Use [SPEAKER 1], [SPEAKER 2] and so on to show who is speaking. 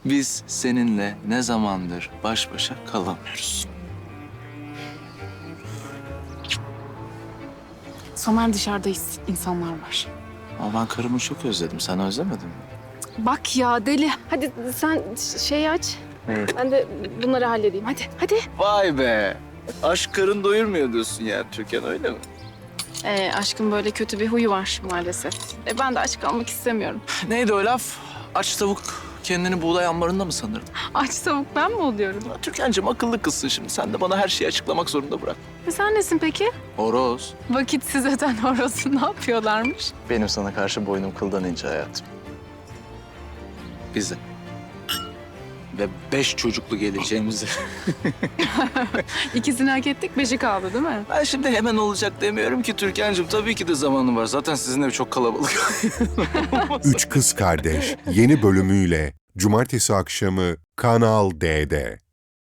[SPEAKER 1] Biz seninle ne zamandır baş başa kalamıyoruz.
[SPEAKER 2] Somer dışarıdayız. İnsanlar var.
[SPEAKER 1] Ama ben karımı çok özledim. Sen özlemedin mi?
[SPEAKER 2] Bak ya deli. Hadi sen şeyi aç.
[SPEAKER 1] Evet.
[SPEAKER 2] Ben de bunları halledeyim. Hadi.
[SPEAKER 1] Vay be! Aşk karın doyurmuyor diyorsun ya Türkan, öyle mi?
[SPEAKER 2] Aşkın böyle kötü bir huyu var maalesef. Ben de aç kalmak istemiyorum.
[SPEAKER 1] Neydi o laf? Aç tavuk kendini buğday ambarında mı sanırım?
[SPEAKER 2] Aç tavuk ben mi oluyorum?
[SPEAKER 1] Ya Türkan'cığım akıllı kızsın şimdi. Sen de bana her şeyi açıklamak zorunda bırak.
[SPEAKER 2] Sen nesin peki?
[SPEAKER 1] Horoz.
[SPEAKER 2] Vakitsiz öten horozu ne yapıyorlarmış?
[SPEAKER 1] Benim sana karşı boynum kıldan ince hayatım. Bize. Ve 5 çocuklu geleceğimizi.
[SPEAKER 2] İkisini hak ettik, 5'i kaldı değil mi?
[SPEAKER 1] Ben şimdi hemen olacak demiyorum ki Türkan'cığım. Tabii ki de zamanım var. Zaten sizin ev çok kalabalık.
[SPEAKER 3] Üç Kız Kardeş yeni bölümüyle Cumartesi akşamı Kanal D'de.